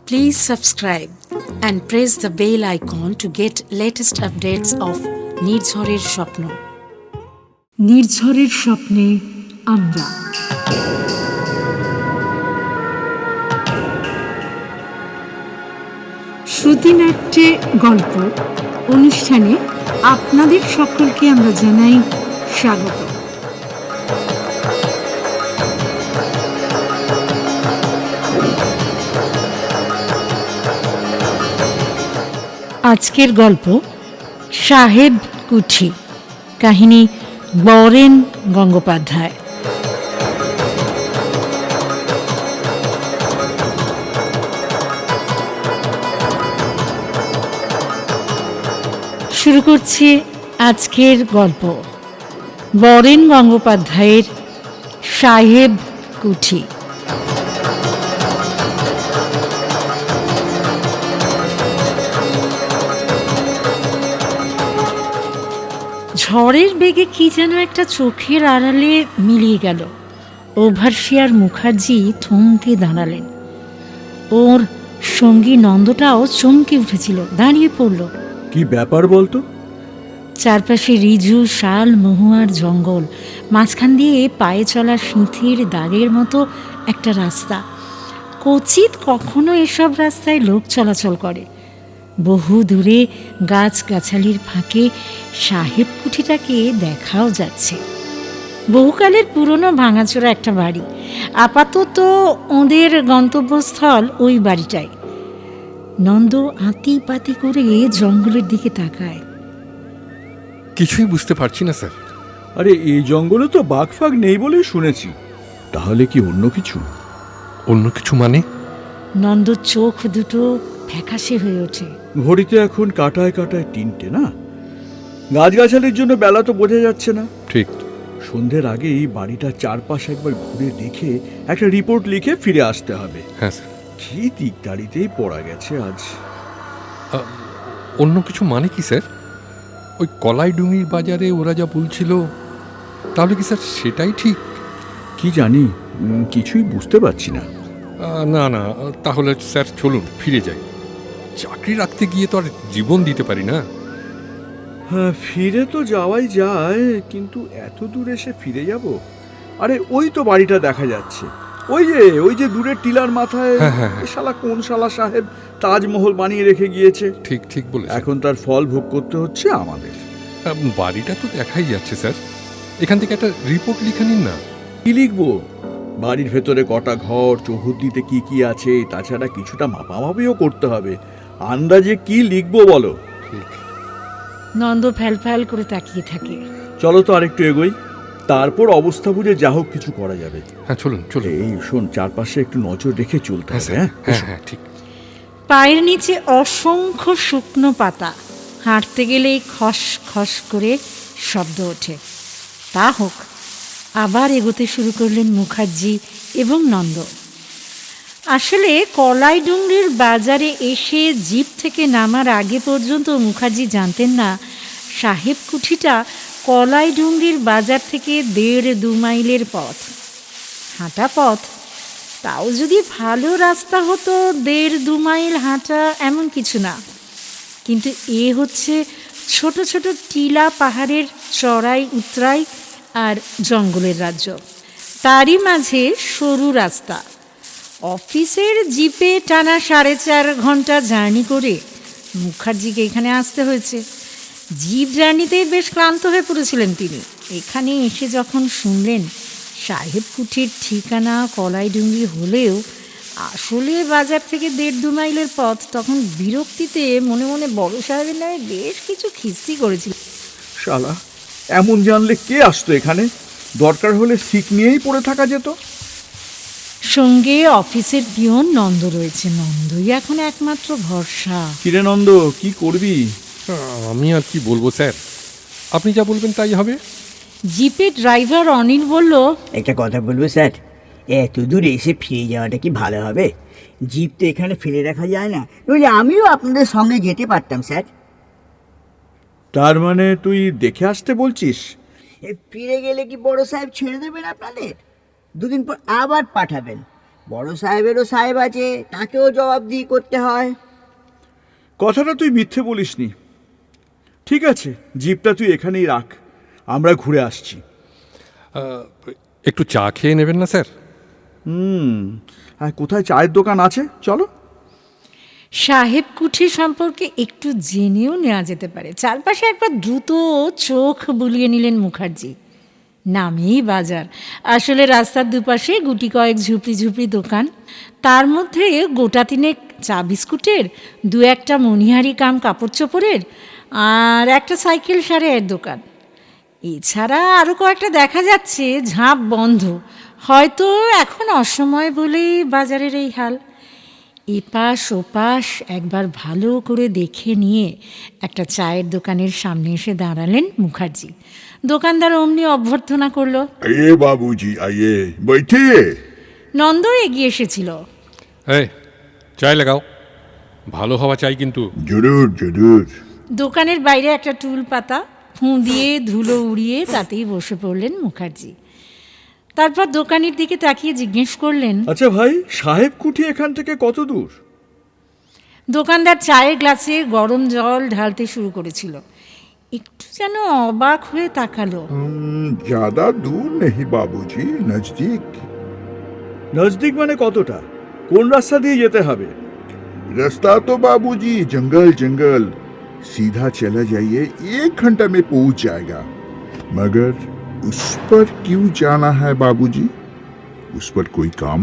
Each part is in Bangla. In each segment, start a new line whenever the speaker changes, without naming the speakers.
Please subscribe and press the bell icon to get latest updates of নির্ঝরের স্বপ্ন। নির্ঝরের স্বপ্নে আমরা শ্রুতিনাট্যে গল্প অনুষ্ঠানে আপনাদের সকলকে আমরা জানাই স্বাগত। আজকের গল্প সাহেব কুঠি, কাহিনী বরেন গঙ্গোপাধ্যায়। শুরু করছি আজকের গল্প বরেন গঙ্গোপাধ্যায়ের সাহেব কুঠি। ঝড়ের বেগে কি যেন একটা চোখের আড়ালে মিলিয়ে গেল। ওভারসিয়ার মুখার্জি থমকে দাঁড়ালেন। ওর সঙ্গী নন্দটাও চমকে উঠেছিল, দাঁড়িয়ে পড়ল।
কি ব্যাপার বলতো?
চারপাশে রিজু শাল মহুয়ার জঙ্গল, মাঝখান দিয়ে পায়ে চলা সিঁথির দাগের মতো একটা রাস্তা। কচিত কখনো এসব রাস্তায় লোক চলাচল করে। বহু দূরে গাছগাছালির ফাঁকে সাহেব কুঠিটাকে দেখাও যাচ্ছে। বহুকালের পুরনো ভাঙাচোরা একটা বাড়ি। আপাতত ওদের গন্তব্যস্থল ওই বাড়িটাই। নন্দ আতি পাতি করে জঙ্গলের দিকে তাকায়।
কিছুই বুঝতে পারছি না স্যার।
আরে এই জঙ্গলে তো বাঘ ফাগ নেই বলে শুনেছি, তাহলে কি অন্য কিছু?
অন্য কিছু মানে?
নন্দ চোখ দুটো ফ্যাকাশে হয়ে ওঠে।
ঘড়িতে এখন কাটায় কাটায় 3টে না? গাছগাছালির জন্য বেলা তো বোঝা যাচ্ছে না।
ঠিক।
সন্ধ্যের আগেই বাড়িটা চারপাশ একবার ঘুরে দেখে একটা রিপোর্ট লিখে ফিরে আসতে হবে।
হ্যাঁ স্যার।
কি দিকদারিতেই পড়া গেছে আজ।
অন্য কিছু মানে কি স্যার? ওই কলাইডুঙির বাজারে ওরা যা বলছিল, তাহলে কি স্যার সেটাই ঠিক?
কি জানি, কিছুই বুঝতে পারছি না।
না না, তাহলে স্যার চলুন ফিরে যাই। চাকরি রাখতে গিয়ে তো আর জীবন দিতে পারি না।
হ্যাঁ, ফিরে তো যাওয়াই যায়, কিন্তু এত দূর এসে ফিরে যাব? আরে ওই তো বাড়িটা দেখা যাচ্ছে, ওই যে দূরের টিলার মাথায়। শালা কোন শালা সাহেব তাজমহল বানিয়ে রেখে গিয়েছে।
ঠিক ঠিক বলে।
এখন তার ফল ভোগ করতে হচ্ছে আমাদের।
বাড়িটা তো দেখাই যাচ্ছে স্যার, এখান থেকে একটা রিপোর্ট লিখে নিন না।
কি লিখবো? বাড়ির ভেতরে কটা ঘর, চৌহদ্দিতে কি কি আছে, তাছাড়া কিছুটা মাপামাপিও করতে হবে। আন্দাজে কি লিখবো বলো?
নন্দ ফ্যাল ফ্যাল করে তাকিয়ে থাকে।
চলো তো আরেকটু এগোই, তারপর অবস্থা বুঝে যা হোক কিছু করা যাবে।
হ্যাঁ চলুন চলুন।
এই শোন, চারপাশে একটু নজর রেখে চলতে হবে।
হ্যাঁ ঠিক।
পায়ের নিচে অসংখ্য শুকনো পাতা, হাঁটতে গেলেই খস খস করে শব্দ ওঠে। তা হোক, আবার এগোতে শুরু করলেন মুখার্জি এবং নন্দ। আসলে কলাইডুংরির বাজারে এসে জিপ থেকে নামার আগে পর্যন্ত মুখার্জি জানতেন না সাহেব কুঠিটা কলাইডুংরির বাজার থেকে 1.5-2 মাইলের পথ। হাঁটা পথ, তাও যদি ভালো রাস্তা হতো 1.5-2 মাইল হাঁটা এমন কিছু না। কিন্তু এ হচ্ছে ছোট ছোট টিলা পাহাড়ের চড়াই উতরাই আর জঙ্গলের রাজ্য। তারই মাঝে সরু রাস্তা। অফিসের জিপে টানা 4.5 ঘন্টা জার্নি করে মুখার্জিকে এখানে আসতে হয়েছে। জিপ জার্নিতেই বেশ ক্লান্ত হয়ে পড়েছিলেন তিনি। এখানে এসে যখন শুনলেন সাহেব কুঠির ঠিকানা কলাইডুঙ্গি হলেও আসলে বাজার থেকে 1.5-2 মাইলের পথ, তখন বিরক্তিতে মনে মনে বড় সাহেবের নামে বেশ কিছু খিস্তি করেছিল।
শালা, এমন জানলে কে আসতো এখানে? দরকার হলে সিক নিয়েই পড়ে থাকা যেত।
সঙ্গে অফিসের পিয়ন নন্দ রয়েছে। নন্দই এখন একমাত্র ভরসা।
কিরে নন্দ, কি করবি?
আমি আর কি বলবো স্যার, আপনি যা বলবেন তাই হবে।
জিপের ড্রাইভার অনিল বলল,
একটা কথা বলবো স্যার, এত দূর এসে ফিরে যাওয়াটা কি ভালো হবে? জিপ তো এখানে ফেলে রাখা যায় না, নইলে আমিও আপনাদের সঙ্গে যেতে পারতাম স্যার।
তার মানে তুই দেখে আসতে বলছিস?
ফিরে গেলে কি বড় সাহেব ছেড়ে দেবেন আপনাদের? 2 দিন পর আবার পাঠাবেন। বড় সাহেবেরও সাহেব আছে, তাকেও জবাবদিহি করতে হয়।
কথাটা তুই মিথ্যে বলিসনি। ঠিক আছে, জিপটা তুই এখানেই রাখ, আমরা ঘুরে আসছি।
একটু চা খেয়ে নেবেন না স্যার?
হ্যাঁ, কোথায় চায়ের দোকান আছে চলো।
সাহেব কুঠি সম্পর্কে একটু জেনেও নেওয়া যেতে পারে। চারপাশে একবার দ্রুত চোখ বুলিয়ে নিলেন মুখার্জি। নামেই বাজার, আসলে রাস্তার দুপাশে গুটি কয়েক ঝুপড়ি ঝুপড়ি দোকান, তার মধ্যে গোটা তিনেক চা বিস্কুটের, দু একটা মণিহারি কাম কাপড় চোপড়ের, আর একটা সাইকেল সারাইয়ের দোকান। এছাড়া আরও কয়েকটা দেখা যাচ্ছে ঝাঁপ বন্ধ, হয়তো এখন অসময় বলেই বাজারের এই হাল। এপাশ ওপাশ একবার ভালো করে দেখে নিয়ে একটা চায়ের দোকানের সামনে এসে দাঁড়ালেন মুখার্জি। দোকানদার অমনি অভ্যর্থনা করলো,
आइए बाबूजी आइए बैठिए।
নন্দ এগিয়ে এসেছিল।
এই চায় লাগাও, ভালো হওয়া চাই কিন্তু।
जरूर जरूर।
দোকানের বাইরে একটা টুল পাতা, ফুঁ দিয়ে ধুলো উড়িয়ে তাতেই বসে পড়লেন মুখার্জি। তারপর দোকানের দিকে তাকিয়ে জিজ্ঞেস করলেন,
আচ্ছা ভাই, সাহেব কুঠি এখান থেকে কত দূর?
দোকানদার চায়ের গ্লাসে গরম জল ঢালতে শুরু করেছিল। একটু যেন অবাক হয়ে তাকালো।
ज्यादा दूर नहीं बाबूजी, नजदीक।
নজদিক মানে কতটা? কোন রাস্তা দিয়ে যেতে হবে?
रास्ता तो बाबूजी जंगल जंगल, सीधा चला जाइए 1 घंटा में पहुंच जाएगा। मगर उस पर क्यों जाना है बाबूजी? उस पर कोई काम?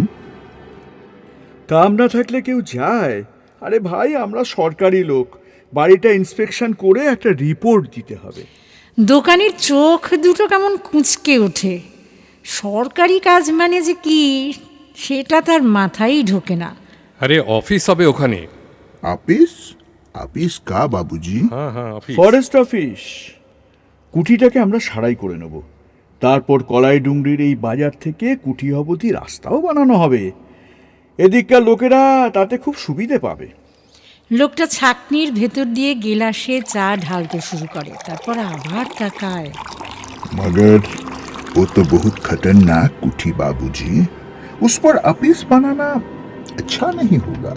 কাম না থাকলে কেউ যায়? আরে ভাই, আমরা সরকারি লোক, বাড়িটা ইন্সপেকশন করে একটা রিপোর্ট দিতে হবে।
দোকানের চোখ দুটো কেমন কুঁচকে ওঠে। সরকারি কাজ মানে যে কি সেটা তার মাথায় ঢোকে না।
আরে অফিস হবে ওখানে।
ऑफिस? ऑफिस का बाबूजी?
হ্যাঁ হ্যাঁ অফিস।
Forest office. কুঠিটাকে আমরা সারাই করে নেব, তারপর কলাইডুংরির এই বাজার থেকে কুঠি অবধি রাস্তাও বানানো হবে। এদিককার লোকেরা তাতে খুব সুবিধে পাবে।
লোকটা ছাকনির ভেতর দিয়ে গেলাসে চা ঢালতে শুরু করে, তারপর আবার তাকায়।
मगर वो तो बहुत खतरनाक कुठी बाबूजी, उस पर ऑफिस बनाना अच्छा नहीं होगा।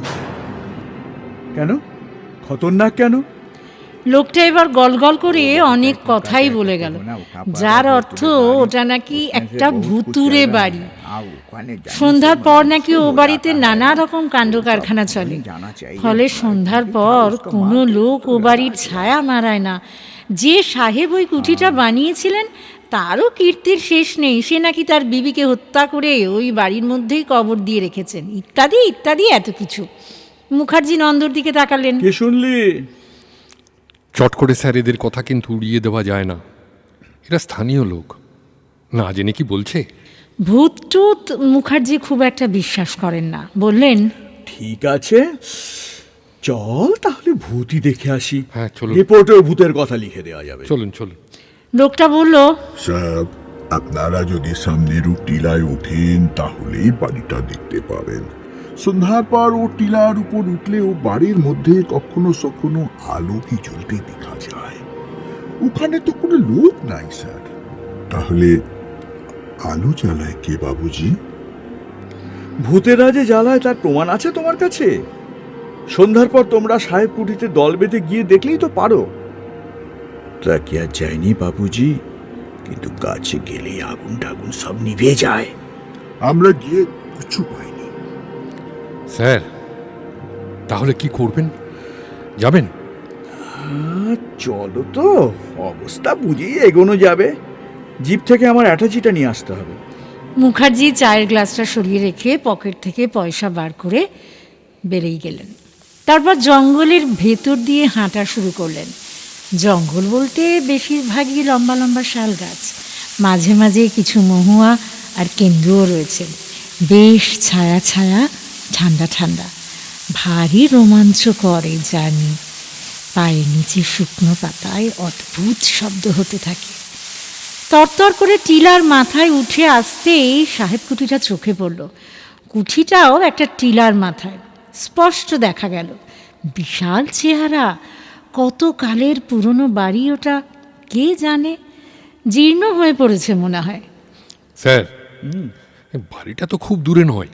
কেন? খতরনাক কেন?
লোকটা এবার গলগল করে অনেক কথাই বলে গেল, যার অর্থ ওটা নাকি একটা ভুতুরে বাড়ি। সন্ধ্যার পর নাকি ও বাড়িতে নানা রকম কাণ্ড কারখানা চলে, ফলে সন্ধ্যার পর কোনো লোক ও বাড়ির ছায়া মারায় না। যে সাহেব ওই কুঠিটা বানিয়েছিলেন তারও কীর্তির শেষ নেই, সে নাকি তার বিবিকে হত্যা করে ওই বাড়ির মধ্যেই কবর দিয়ে রেখেছেন, ইত্যাদি ইত্যাদি এত কিছু। মুখার্জি নন্দর দিকে তাকালেন।
কে শুনলি?
চট করে স্যার এদের কথা কিন্তু উড়িয়ে দেওয়া যায় না, এরা স্থানীয় লোক, না জেনে কি বলছে।
ভূত টুত মুখার্জি খুব একটা বিশ্বাস করেন না, বললেন,
ঠিক আছে, চল তাহলে ভূতই দেখে আসি।
হ্যাঁ, চলুন।
রিপোর্টেও ভূতের কথা লিখে দেওয়া যাবে।
চলুন চলুন।
লোকটা বলল,
সাহেব, আপনারা যদি সামনের ও টিলায় ওঠেন তাহলেই বাড়িটা দেখতে পাবেন। সন্ধ্যার পর ও টিলার উপর উঠলে ও বাড়ির মধ্যে কখনো কখনো আলো কি জ্বলতে দেখা যায়। ওখানে তো কোনো লোক নাই স্যার। তাহলে আলো জ্বালায় কে বাবুজি?
ভূতেরা যে জ্বালায় তার প্রমাণ আছে তোমার কাছে? সন্ধ্যার পর তোমরা সাহেব কুঠিতে দল বেঁধে গিয়ে দেখলেই তো পারো। তা কি আর যায়নি বাবুজি? কিন্তু কাছে গেলেই আগুন টাগুন সব নিভে যায়।
আমরা গিয়ে কিছু পাইনি।
স্যার তাহলে কি করবেন, যাবেন?
চলো তো, অবস্থা বুঝেই এগোনো যাবে। জিপ থেকে আমার অ্যাটাচিটা নিয়ে আসতে হবে।
মুখার্জি চায়ের গ্লাসটা সরিয়ে রেখে পকেট থেকে পয়সা বার করে বেরিয়ে গেলেন। তারপর জঙ্গলের ভেতর দিয়ে হাঁটা শুরু করলেন। জঙ্গল বলতে বেশিরভাগই লম্বা লম্বা শাল গাছ, মাঝে মাঝে কিছু মহুয়া আর কেন্দুও রয়েছে। বেশ ছায়া ছায়া, ঠান্ডা ঠান্ডা, ভারী রোমাঞ্চকর এই জার্নি। পায়ের নিচে শুকনো পাতায় অদ্ভুত শব্দ হতে থাকে। তরতর করে টিলার মাথায় উঠে আসতেই সাহেব কুঠিটা চোখে পড়ল। কুঠিটাও একটা টিলার মাথায়, স্পষ্ট দেখা গেল। বিশাল চেহারা, কত কালের পুরনো বাড়ি ওটা, কে জানে, জীর্ণ হয়ে পড়েছে মনে হয়।
স্যার বাড়িটা তো খুব দূরে নয়,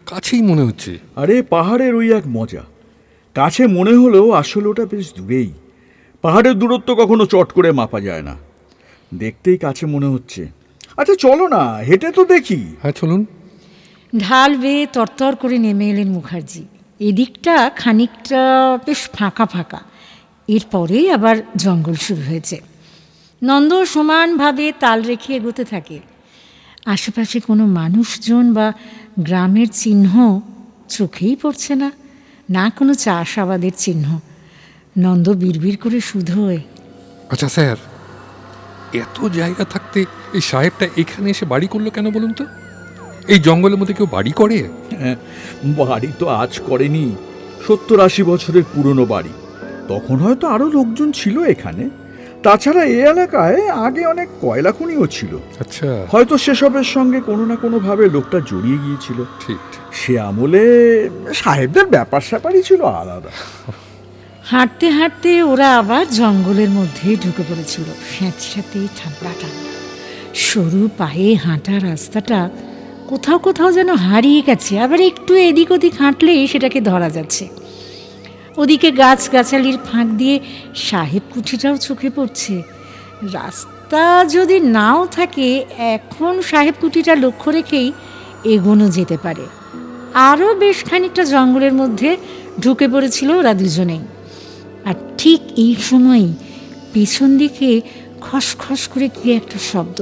কাছেই মনে হচ্ছে।
আরে পাহাড়ের ওই এক মজা, কাছে মনে হলেও আসলে ওটা বেশ দূরেই। পাহাড়ের দূরত্ব কখনো চট করে মাপা যায় না, দেখতেই কাছে মনে হচ্ছে। আচ্ছা চলো না, হেঁটে তো দেখি।
হ্যাঁ চলুন।
ঢাল বেয়ে তরতর করে নেমে এলেন মুখার্জি। এদিকটা খানিকটা বেশ ফাঁকা ফাঁকা, এরপরেই আবার জঙ্গল শুরু হয়েছে। নন্দ সমানভাবে তাল রেখে এগোতে থাকে। আশেপাশে কোনো মানুষজন বা গ্রামের চিহ্ন চোখেই পড়ছে না, না কোনো চাষাবাদের চিহ্ন। নন্দ বিড়বিড় করে শুধোয়,
আচ্ছা স্যার, এত জায়গা থাকতে এই সাহেবটা এখানে এসে বাড়ি করলো কেন বলুন তো? এই জঙ্গলের মধ্যে কেউ বাড়ি করে?
হ্যাঁ, বাড়ি তো আজ করেনি, 70-80 বছরের পুরনো বাড়ি। তখন হয়তো আরো লোকজন ছিল এখানে। তাছাড়া এই এলাকায় আগে অনেক কয়লা খনিও ছিল।
আচ্ছা,
হয়তো সেসবের সঙ্গে কোনো না কোনো ভাবে লোকটা জড়িয়ে গিয়েছিল।
ঠিক ঠিক।
সে আমলে সাহেবদের ব্যাপার স্যাপারই ছিল আলাদা।
হাঁটতে হাঁটতে ওরা আবার জঙ্গলের মধ্যে ঢুকে পড়েছিল। স্যাঁতস্যাঁতে ঠান্ডা ঠান্ডা সরু পায়ে হাঁটা রাস্তাটা কোথাও কোথাও যেন হারিয়ে গেছে, আবার একটু এদিক ওদিক হাঁটলেই সেটাকে ধরা যাচ্ছে। ওদিকে গাছগাছালির ফাঁক দিয়ে সাহেব কুঠিটাও চোখে পড়ছে। রাস্তা যদি নাও থাকে, এখন সাহেব কুঠিটা লক্ষ্য রেখেই এগোনো যেতে পারে। আরও বেশ খানিকটা জঙ্গলের মধ্যে ঢুকে পড়েছিল ওরা দুজনেই। আর ঠিক এই সময়ই পেছন দিকে খসখস করে কি একটা শব্দ।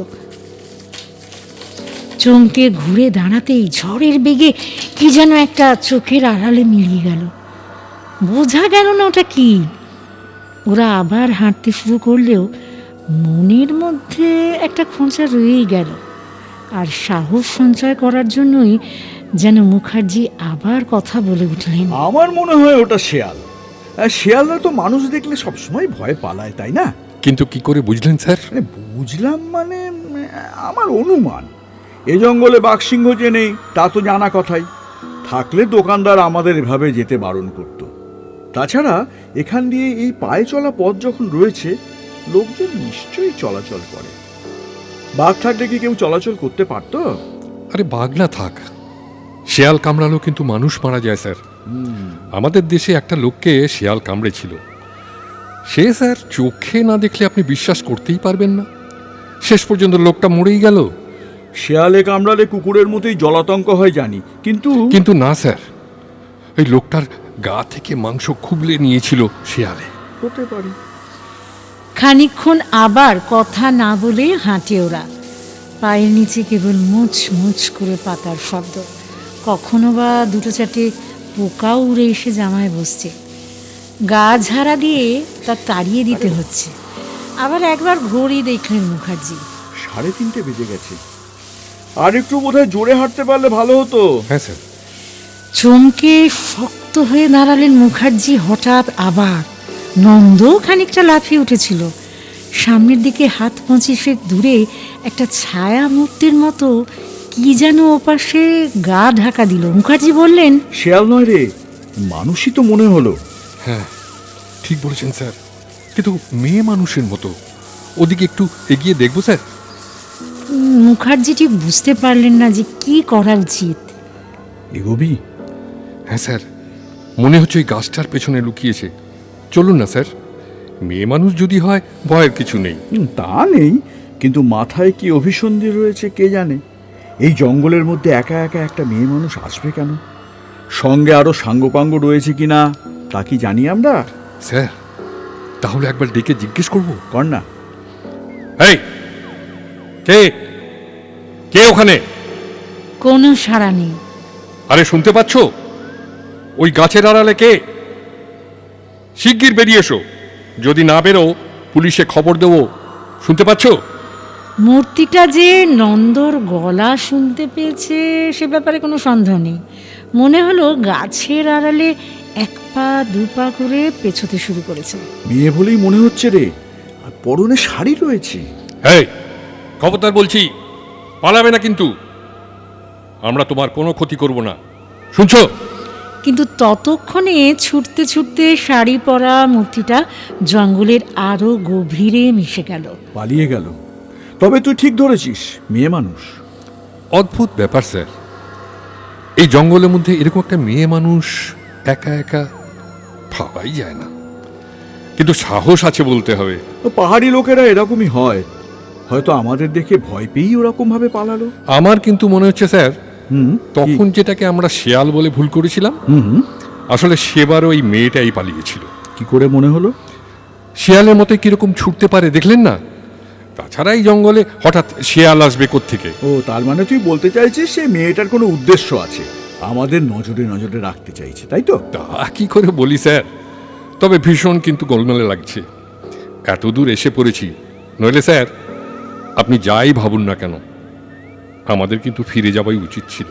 চমকে ঘুরে দাঁড়াতেই ঝড়ের বেগে কি যেন একটা চোখের আড়ালে মিলিয়ে গেল। বোঝা গেল না ওটা কি। ওরা আবার হাঁটতে শুরু করলেও মনের মধ্যে একটা খোঁচা রয়েই গেল। আর সাহস সঞ্চয় করার জন্যই যেন মুখার্জি আবার কথা বলে উঠলেন,
আমার মনে হয় ওটা শেয়াল। শেয়ালরা তো মানুষ দেখলে সবসময় ভয় পালায়, তাই না?
কিন্তু কি করে বুঝলেন স্যার?
বুঝলাম মানে, আমার অনুমান। এ জঙ্গলে বাঘসিংহ যে নেই তা তো জানা কথাই। থাকলে দোকানদার আমাদের এভাবে যেতে বারণ করত। তাছাড়া এখান দিয়ে এই পায়ে চলা পথ যখন রয়েছে, লোকজন নিশ্চয়ই চলাচল করে। বাঘ থাকলে কি কেউ চলাচল করতে পারতো?
আরে বাঘ না থাক, শেয়াল কামড়ালো কিন্তু মানুষ মারা যায় স্যার। আমাদের দেশে একটা লোককে শেয়াল কামড়েছিল। সে স্যার চোখে না দেখলে আপনি বিশ্বাস করতেই পারবেন না, শেষ পর্যন্ত লোকটা মরেই গেল।
শেয়ালে কামড়ালে কুকুরের মতোই জলাতঙ্ক হয় জানি, কিন্তু
কিন্তু না স্যার, ওই লোকটার গা থেকে মাংস খুবলে নিয়েছিল শেয়ালে।
হতে পারে।
খানিকক্ষণ আবার কথা না বলে হাঁটে ওরা। পায়ের নিচে কেবল মুচ মুচ করে পাতার শব্দ। কখনো বা দুটো চারটে পোকাও উড়ে এসে জামায় বসছে। গা ঝাড়া দিয়ে তা তাড়িয়ে দিতে হচ্ছে। আবার একবার ঘড়ি দেখলেন মুখার্জি,
3:30 বেজে গেছে। আর একটু বোধহয় জোরে হাঁটতে পারলে ভালো হতো।
হ্যাঁ স্যার।
চমকে শক্ত হয়ে দাঁড়ালেন মুখার্জি। হঠাৎ আবার নন্দ খানিকটা লাফিয়ে উঠেছিল। সামনের দিকে হাত 25 দূরে একটা ছায়া মূর্তির মতো কি যেন ওপাশে গা ঢাকা দিল। মুখার্জি বললেন,
শেয়াল নয় রে, মানুষই তো মনে হলো।
হ্যাঁ ঠিক বলেছেন স্যার, কিন্তু মেয়ে মানুষের মতো। ওদিকে একটু এগিয়ে দেখবো স্যার?
মুখার্জি ঠিক বুঝতে পারলেন না যে কি করা উচিত।
এগোবি?
হ্যাঁ স্যার, মনে হচ্ছে ওই গাছটার পেছনে লুকিয়েছে। চলুন না স্যার, মেয়ে মানুষ যদি হয় ভয়ের কিছু নেই।
তা নেই, কিন্তু মাথায় কি অভিসন্ধি রয়েছে কে জানে। এই জঙ্গলের মধ্যে একা একা একটা মেয়ে মানুষ আসবে কেন? সঙ্গে আরো সাঙ্গপাঙ্গ রয়েছে কিনা তা কি জানি আমরা?
স্যার তাহলে একবার ডেকে জিজ্ঞেস করবো।
কর না।
এই কে কে ওখানে?
কোনো সাড়া নেই।
আরে শুনতে পাচ্ছ? ওই গাছের আড়ালে কে? শিগগির বেরিয়ে এসো, যদি না বেরো পুলিশে খবর দেবো। শুনতে পাচ্ছ?
মূর্তিটা যে নন্দর গলা শুনতে পেয়েছে সে ব্যাপারে কোনো সন্দেহ নেই। মনে হলো গাছের আড়ালে 1 পা 2 পা করে পেছোতে শুরু করেছে।
মেয়ে বলেই মনে হচ্ছে রে, আর পরনে শাড়ি রয়েছে।
এই খবরদার বলছি, পালাবে না কিন্তু। আমরা তোমার কোনো ক্ষতি করব না, শুনছো?
কিন্তু ততক্ষণে ছুটতে ছুটতে শাড়ি পরা মূর্তিটা জঙ্গলের আরো গভীরে মিশে গেল।
পালিয়ে গেল। তবে তুই ঠিক ধরেছিস, মেয়ে মানুষ।
অদ্ভুত ব্যাপার স্যার, এই জঙ্গলের মধ্যে এরকম একটা মেয়ে মানুষ একা একা ভাবাই যায় না, কিন্তু সাহস আছে বলতে হবে।
তো পাহাড়ি লোকেরা এরকমই হয়, হয়তো আমাদের দেখে ভয় পেয়েই ওরকম ভাবে পালালো।
আমার কিন্তু মনে হচ্ছে স্যার,
হুম,
তখন যেটাকে আমরা শেয়াল বলে ভুল করেছিলাম,
হুম,
আসলে সেবার ওই মেয়েটাই পালিয়েছিল।
কি করে মনে হলো?
শেয়ালের মতো কিরকম ছুটতে পারে দেখলেন না? তাছাড়া এই জঙ্গলে হঠাৎ শেয়াল আসবে কোত্থেকে?
ও, তার মানে তুই বলতে চাইছিস সে মেয়েটার কোনো উদ্দেশ্য আছে, আমাদের নজরে নজরে রাখতে চাইছে, তাই তো?
তা কি করে বলি স্যার, তবে ভীষণ কিন্তু গোলমেলে লাগছে। এত দূর এসে পড়েছি, নইলে স্যার আপনি যাই ভাবুন না কেন, আমাদের কিন্তু ফিরে যাওয়াই উচিত ছিল।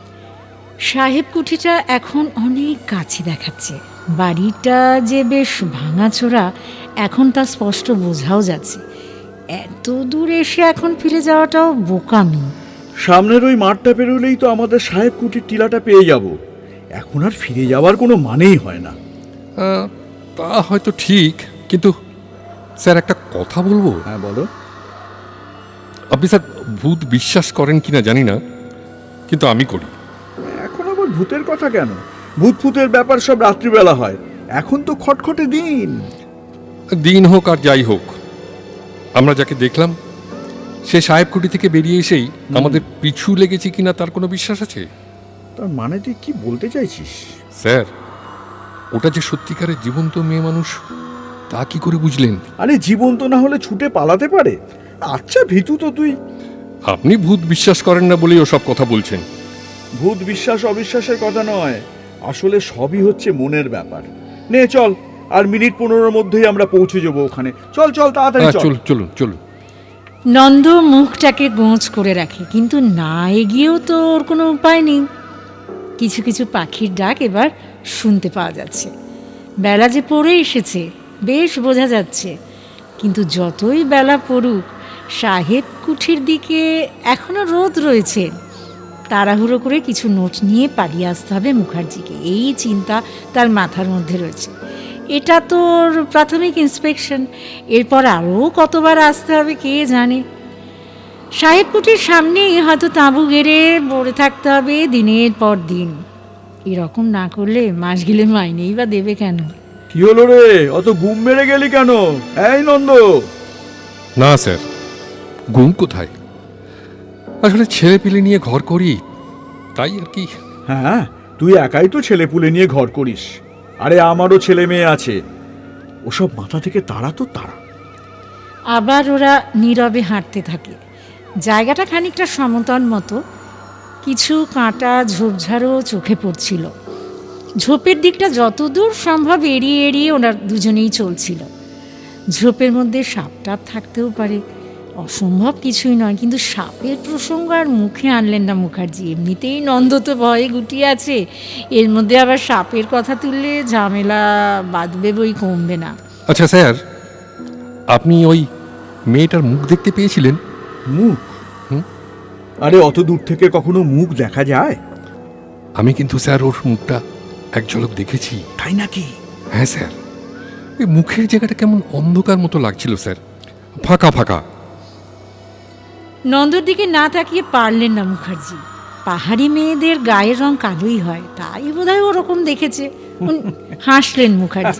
সাহেব কুঠিটা এখন অনেক কাছে দেখাচ্ছে। বাড়িটা যে বেশ ভাঙাচোরা এখন তা স্পষ্ট বোঝাও যাচ্ছে। এত দূর এসে এখন ফিরে যাওয়াটাও বোকামি।
সামনের ওই মাঠটা পেরোলেই তো আমাদের সাহেব কুটির টিলাটা পেয়ে যাব। এখন আর ফিরে যাওয়ার কোনো মানেই হয় না।
তা হয়তো ঠিক, কিন্তু স্যার একটা কথা বলবো।
হ্যাঁ, বলো।
আপনি স্যার ভূত বিশ্বাস করেন কিনা জানি না, কিন্তু আমি করি।
এখন আবার ভূতের কথা কেন? ভূত ফুতের ব্যাপার সব রাত্রিবেলা হয়, এখন তো খটখটে দিন।
দিন হোক আর যাই হোক, আমরা যাকে দেখলাম সে সাহেবকুটি থেকে বেরিয়ে এসেই আমাদের পিছু লেগেছে কিনা তার কোনো বিশ্বাস আছে?
তার মানে তুই কি বলতে চাইছিস?
স্যার, ওটা যে সত্যিকারের জীবন্ত মেয়ে মানুষ তা কি করে বুঝলেন?
আরে জীবন্ত না হলে ছুটে পালাতে পারে? আচ্ছা ভীতু তো তুই।
আপনি ভূত বিশ্বাস করেন না বলেই ওসব কথা বলছেন।
ভূত বিশ্বাস অবিশ্বাসের কথা নয়, আসলে সবই হচ্ছে মনের ব্যাপার। নে চল, আর মিনিট 15-র মধ্যেই আমরা পৌঁছে যাবো ওখানে। চল চল, তাড়াতাড়ি চল।
চলুন চলুন চলুন।
নন্দ মুখটাকে গোঁজ করে রাখে, কিন্তু না এগিয়েও তো ওর কোনো উপায় নেই। কিছু কিছু পাখির ডাক এবার শুনতে পাওয়া যাচ্ছে। বেলা যে পড়ে এসেছে বেশ বোঝা যাচ্ছে, কিন্তু যতই বেলা পড়ুক সাহেব কুঠির দিকে এখনো রোদ রয়েছে। তাড়াহুড়ো করে কিছু নোট নিয়ে পালিয়ে আসতে হবে মুখার্জিকে, এই চিন্তা তার মাথার মধ্যে রয়েছে। এটা তোর প্রাথমিক ইন্সপেকশন, এরপর আরও কতবার আসতে হবে কে জানে। সাহেব কুঠির সামনেই হয়তো তাঁবু গেড়ে পড়ে থাকতে হবে দিনের পর দিন। এরকম না করলে মাস গেলে মাইনেই বা দেবে কেন?
কি হলো রে, অত গুম মেরে গেলি কেন? এই নন্দ।
না স্যার, গুম কোথায়? আসলে ছেলে পিলে নিয়ে ঘর করি, তাই আর কি।
হ্যাঁ, তুই একাই তো ছেলে পুলে নিয়ে ঘর করিস, আরে আমারও ছেলে মেয়ে আছে, ওসব মাথা থেকে তাড়া তো তাড়া।
আবার ওরা নীরবে হাঁটতে থাকে। জায়গাটা খানিকটা সমতল মতো, কিছু কাঁটা ঝোপঝাড়ও চোখে পড়ছিল। ঝোপের দিকটা যতদূর সম্ভব এড়িয়ে এড়িয়ে ওরা দুজনেই চলছিল। ঝোপের মধ্যে সাপ টাপ থাকতেও পারে, অসম্ভব কিছুই নয়, কিন্তু সাপের প্রসঙ্গ আর মুখে আনলেন না মুখার্জি। এমনিতেই নন্দ তো ভয়ে গুটিয়ে আছে, এর মধ্যে আবার সাপের কথা তুললে ঝামেলা বাঁধবে বই কমবে না।
আচ্ছা স্যার, আপনি ওই মেয়েটার মুখ দেখতে পেয়েছিলেন?
মুখ? আরে অত দূর থেকে কখনো মুখ দেখা যায়?
আমি কিন্তু স্যার ওর মুখটা এক ঝলক দেখেছি।
তাই নাকি?
হ্যাঁ স্যার, এই মুখের জায়গাটা কেমন অন্ধকার মতো লাগছিল স্যার, ফাঁকা ফাঁকা।
নন্দর দিকে না তাকিয়ে পারলেন না মুখার্জি। পাহাড়ি মেয়েদের গায়ের রং কালোই হয়, তাই বোধহয় ওরকম দেখেছে। হাসলেন মুখার্জি।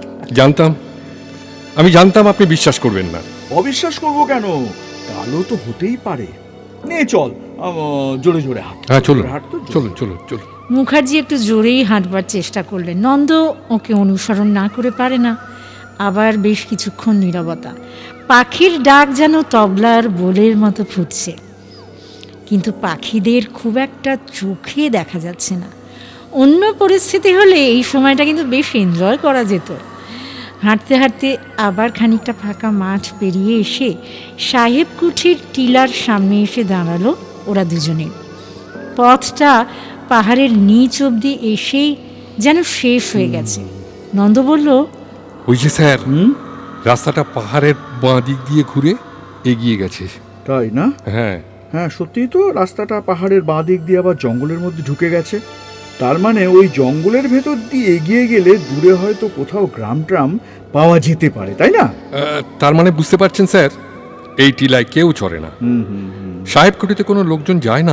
আমি জানতাম আপনি বিশ্বাস করবেন না।
অবিশ্বাস করবো কেন? কালো তো হতেই পারে। নে চল, জোরে জোরে হাঁট।
হ্যাঁ চলুন
হাঁট তো জোরে।
চলুন চলুন চলুন।
মুখার্জি একটু জোরেই হাঁটবার চেষ্টা করলেন। নন্দ ওকে অনুসরণ না করে পারে না। আবার বেশ কিছুক্ষণ নীরবতা। পাখির ডাক যেন তবলার বোলের মতো ফুটছে, কিন্তু পাখিদের খুব একটা চোখে দেখা যাচ্ছে না। অন্য পরিস্থিতি হলে এই সময়টা কিন্তু বেশ এনজয় করা যেত। হাঁটতে হাঁটতে আবার খানিকটা ফাঁকা মাঠ পেরিয়ে এসে সাহেব কুঠির টিলার সামনে এসে দাঁড়ালো ওরা দুজনে। পথটা পাহাড়ের নিচ অবধি এসেই যেন শেষ হয়ে গেছে। নন্দ বলল,
ওই যে স্যার, রাস্তাটা পাহাড়ের বাঁ দিক দিয়ে ঘুরে এগিয়ে গেছে।
তাই না?
হ্যাঁ
হ্যাঁ, সত্যিই তো রাস্তাটা পাহাড়ের বাঁ দিক দিয়ে আবার জঙ্গলের মধ্যে ঢুকে গেছে। তার মানে ওই জঙ্গলের ভেতর দিয়ে এগিয়ে গেলে দূরে হয়তো কোথাও গ্রাম ট্রাম পাওয়া যেতে পারে, তাই না?
তার মানে বুঝতে পারছেন স্যার, এই টিলায় কেউ চড়ে না, সাহেবকুটিতে কোনো লোকজন যায় না।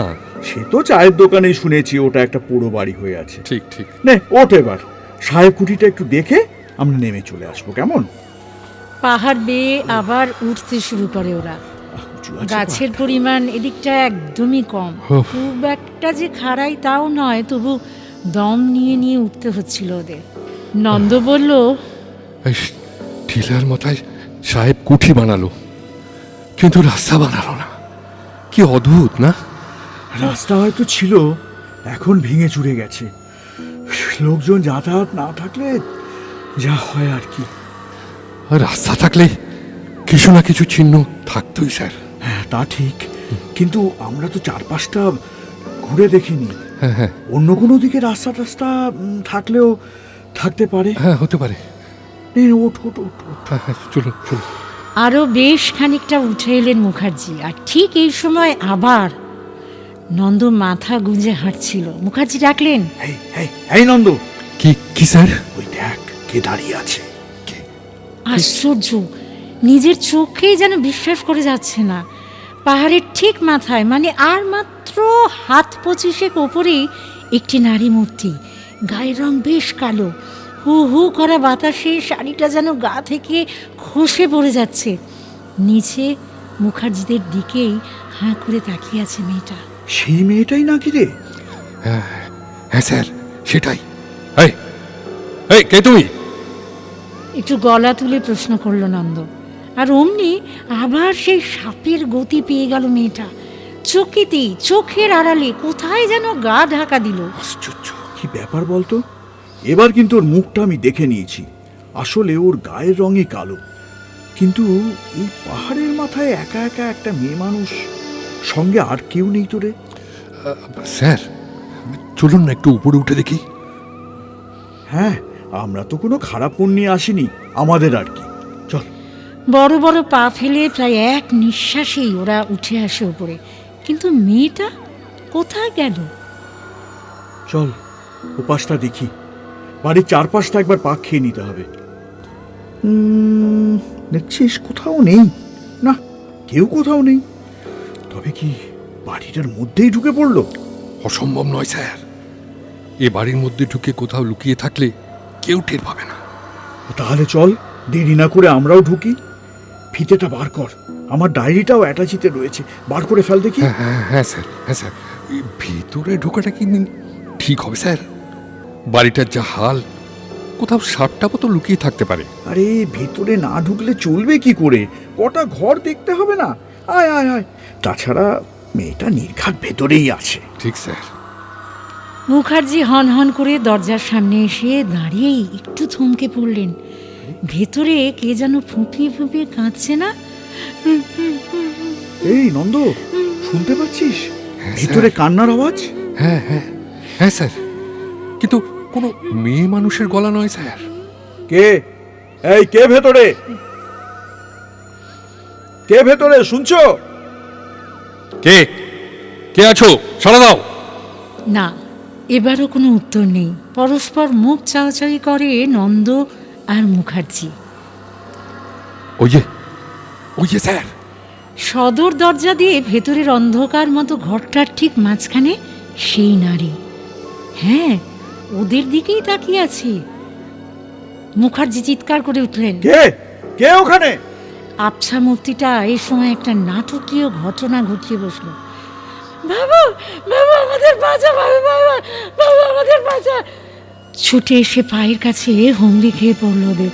সে তো চায়ের দোকানেই শুনেছি ওটা একটা পুরো বাড়ি হয়ে আছে।
ঠিক ঠিক।
নে ওঠ এবার, সাহেব কুঠিটা একটু দেখে আমরা নেমে চলে আসবো, কেমন?
পাহাড় বেয়ে আবার উঠতে শুরু করে ওরা।
উঁচু আছে
গাছের পরিমাণ এদিকটা একদমই কম,
উফ।
খুব একটা যে খাড়াই তাও নয়, তবু দম নিয়ে নিয়ে উঠতে হচ্ছিল ওদের। নন্দ বলল,
এই টিলার মাথায় সাহেব কুঠি বানালো, কিন্তু রাস্তা বানালো না। কি অদ্ভুত না?
রাস্তা হয়তো ছিল, এখন ভেঙে চুরে গেছে। লোকজন যাতায়াত না থাকলে যা হয় আর কি।
আর রাস্তা থাকলে কিছু না কিছু চিহ্ন থাকতোই স্যার।
হ্যাঁ তা ঠিক, কিন্তু আমরা তো চারপাশটা ঘুরে দেখিনি।
হ্যাঁ হ্যাঁ
অন্য কোনো দিকে রাস্তা টাস্তা থাকলেও থাকতে পারে।
হ্যাঁ, হতে পারে।
নে, ওঠ ওঠ ওঠ ওঠ।
হ্যাঁ হ্যাঁ, চলুন চলুন।
আরও বেশ খানিকটা উঠে এলেন মুখার্জি। আর ঠিক এই সময় আবার নন্দ মাথা গুঁজে হাঁটছিল। মুখার্জি ডাকলেন,
এই এই এই নন্দ,
কি কি স্যার?
ওই দেখ কে দাঁড়িয়ে আছে।
আশ্চর্য, নিজের চোখেই যেন বিশ্বাস করে যাচ্ছে না। পাহাড়ের ঠিক মাথায়, মানে আর মাত্র হাত 25 ওপরেই একটি নারী মূর্তি। গায়ের রং বেশ কালো, হু হু করা বাতাসে শাড়িটা যেন গা থেকে খসে পড়ে যাচ্ছে। নিচে মুখার্জিদের দিকেই হাঁ করে তাকিয়ে আছে মেয়েটা।
সেই মেয়েটাই নাকি রে?
হ্যাঁ স্যার, সেটাই। এই এই, কে তুমি?
একটু গলা তুলে প্রশ্ন করলো নন্দ। আর অমনি আবার সেই সাপের গতি পেয়ে গেল মেয়েটা। চকিতেই চোখের আড়ালে কোথায় যেন গা ঢাকা দিল।
আশ্চর্য, কি ব্যাপার বলতো? এবার কিন্তু ওর মুখটা আমি দেখে নিয়েছি। আসলে ওর গায়ের রঙই কালো, কিন্তু এই পাহাড়ের মাথায় একা একা একটা মেয়ে মানুষ, সঙ্গে আর কেউ নেই তো রে?
স্যার চলুন না একটু উপরে উঠে দেখি।
হ্যাঁ, আমরা তো কোনো খারাপ মন নিয়ে আসিনি, আমাদের আর কি। চল।
বড় বড় পা ফেলে প্রায় এক নিঃশ্বাসেই ওরা উঠে আসে উপরে। কিন্তু মেয়েটা কোথায় গেল?
চল উপাসটা দেখি, বাড়ির চারপাশটা একবার পাক খেয়ে নিতে হবে। দেখছিস কোথাও নেই, না কেউ কোথাও নেই। তবে কি বাড়িটার মধ্যেই ঢুকে পড়লো?
অসম্ভব নয় স্যার, এ বাড়ির মধ্যে ঢুকে কোথাও লুকিয়ে থাকলে কেউ টের পাবে না।
তাহলে চল, দেরি না করে আমরাও ঢুকি। ফিতেটা বার কর, আমার ডায়েরিটাও অ্যাটাচিতে রয়েছে, বার করে ফেল দেখি।
হ্যাঁ হ্যাঁ হ্যাঁ স্যার, হ্যাঁ স্যার। এই ভিতরে ঢোকাটা কি ঠিক হবে স্যার? বাড়িটার যা হাল, কোথাও সাপটাপও তো লুকিয়ে থাকতে পারে।
আরে ভেতরে না ঢুকলে চলবে কি করে? কটা ঘর দেখতে হবে না? আয় আয় আয়। তাছাড়া মেয়েটা নির্ঘাত ভেতরেই আছে।
ঠিক স্যার।
মুখার্জি হন হন করে দরজার সামনে এসে দাঁড়িয়েই একটু থমকে পড়লেন। ভেতরে কে যেন ফুঁপিয়ে ফুঁপিয়ে কাঁদছে না?
এই নন্দ, শুনতে পাচ্ছিস
হ্যাঁ,
ভিতরে
স্যার।
কান্নার আওয়াজ?
হ্যাঁ হ্যাঁ হ্যাঁ স্যার, কিন্তু কোনো মেয়ে মানুষের গলা নয় স্যার।
কে? এই কে ভেতরে? কে ভেতরে? শুনছো?
কে কে আছো? সাড়া দাও।
না, এবারও কোনো উত্তর নেই। পরস্পর মুখ চাওয়াচাওয়ি করে নন্দ আর মুখার্জি।
ওই যে স্যার।
সদর দরজা দিয়ে ভেতরের অন্ধকার মতো ঘরটার ঠিক মাঝখানে সেই নারী। হ্যাঁ, ওদের দিকেই তাকিয়ে আছে। মুখার্জি চিৎকার করে উঠলেন,
কে? কে ওখানে?
আবছা মূর্তিটা এই সময় একটা নাটকীয় ঘটনা ঘটিয়ে বসলো। বাবা, বাবা আমাদের বাঁচা, বাবা, বাবা, বাবা আমাদের বাঁচা। ছুটে এসে পায়ের কাছে হুমড়ি খেয়ে পড়লো ওদের।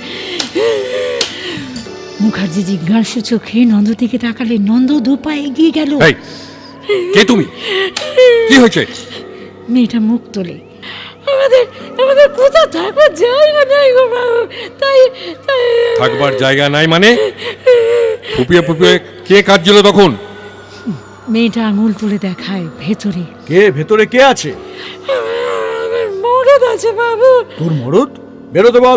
মুখার্জি জিজ্ঞাসু চোখে নন্দ দিকে তাকালে। নন্দ দু পা এগিয়ে গেল।
এই, কে তুমি? কি হয়েছে?
মেয়েটা মুখ তোলে। আমাদের আমাদের কোথাও থাকবার জায়গা নাই গো বাবু, তাই তাই
থাকবার জায়গা নাই মানে? ফুপিয়ে ফুপিয়ে কে কাঁদছিল তখন?
মেয়েটা আঙুল তুলে দেখায় ভেতরে।
কে ভেতরে? কে আছে?
আমার মরদ আছে বাবু।
তোর মরদ? বেরোতে বল।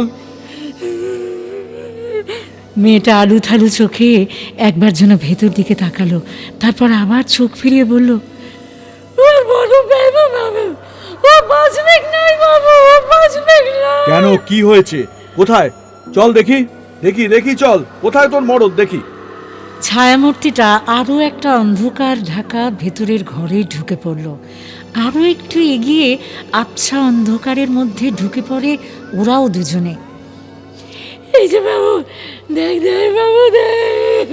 মেয়েটা আলু থালু চোখে একবার যেন ভেতর দিকে তাকালো, তারপর আবার চোখ ফিরিয়ে বলল, ওর বড় বাবু, বাবু ও বাঁচবে নাই বাবু, ও বাঁচবে না।
কেন, কি হয়েছে? কোথায়? চল দেখি দেখি দেখি, চল কোথায় তোর মরদ দেখি।
ছায়ামূর্তিটা আরও একটা অন্ধকার ঢাকা ভেতরের ঘরে ঢুকে পড়ল। আরও একটু এগিয়ে আবছা অন্ধকারের মধ্যে ঢুকে পড়ে ওরাও দুজনে। এই যে বাবু, দেখ দেখ বাবু দেখ।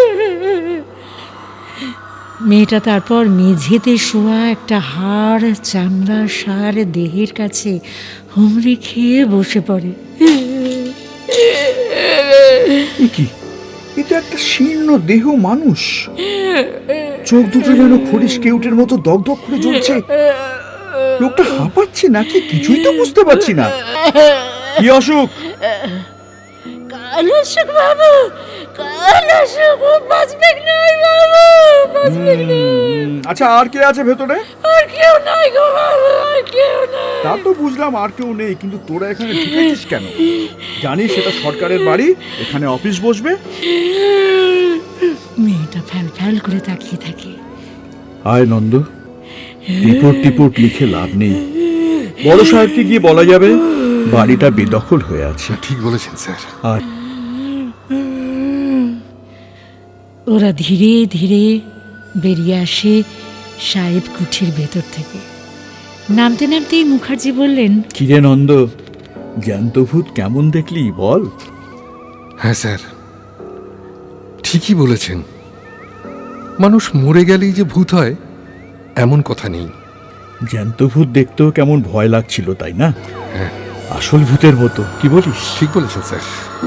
মেয়েটা তারপর মেঝেতে শোয়া একটা হাড় চামড়া সার দেহের কাছে হুমড়ি খেয়ে বসে পড়ে।
এ কি? এটা একটা শীর্ণ দেহ মানুষ, চোখ দুটো যেন খড়িস কেউটের মতো দগদগ করে জ্বলছে। লোকটা হাঁপাচ্ছে নাকি কিছুই তো বুঝতে পারছি না। কি অসুখ?
কাল অসুখ বাবু, কাল অসুখ, বাঁচবে নাই বাবু, বাঁচবে না।
আচ্ছা, আর কে আছে ভেতরে?
আর কেউ নাই গো বাবু, আর কেউ নাই।
তা তো বুঝলাম আর কেউ নেই, কিন্তু তোরা এখানে ঢুকেছিস কেন? জানিস সেটা সরকারের বাড়ি, এখানে অফিস বসবে।
মেয়েটা ফ্যাল ফ্যাল করে তাকিয়ে থাকে।
আয় নন্দ, রিপোর্ট টিপোর্ট লিখে লাভ নেই। বড় সাহেবকে গিয়ে বলা যাবে বাড়িটা বেদখল হয়ে আছে।
ঠিক বলেছেন স্যার।
আর
ওরা ধীরে ধীরে বেরিয়ে আসে সাহেব কুঠির ভেতর থেকে। নামতে নামতেই মুখার্জি বললেন,
কিরে নন্দ, জ্যান্ত ভূত কেমন দেখলি বল?
হ্যাঁ স্যার, ঠিকই বলেছেন। মানুষ মরে গেলেই যে ভূত হয় এমন কথা নেই।
জ্যান্ত ভূত দেখতেও কেমন ভয় লাগছিল, তাই না?
হ্যাঁ,
আসল ভূতের মতো, কি বলিস?
ঠিক বলেছেন স্যার।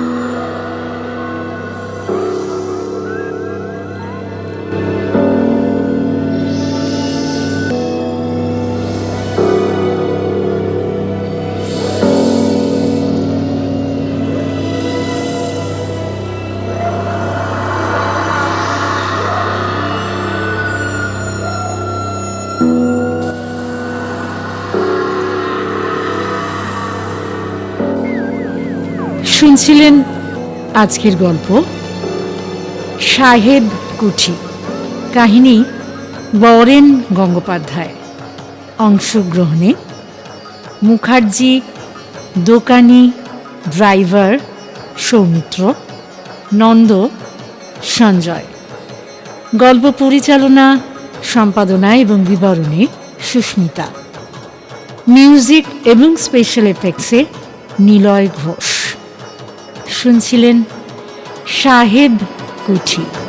শুনছিলেন আজকের গল্প সাহেব কুঠি। কাহিনী বরেন গঙ্গোপাধ্যায়। অংশগ্রহণে মুখার্জি, দোকানি, ড্রাইভার সৌমিত্র, নন্দ, সঞ্জয়। গল্প পরিচালনা, সম্পাদনা এবং বিবরণে সুস্মিতা। মিউজিক এবং স্পেশাল এফেক্টসে নিলয় ঘোষ। শুনছিলেন সাহেব কুঠি।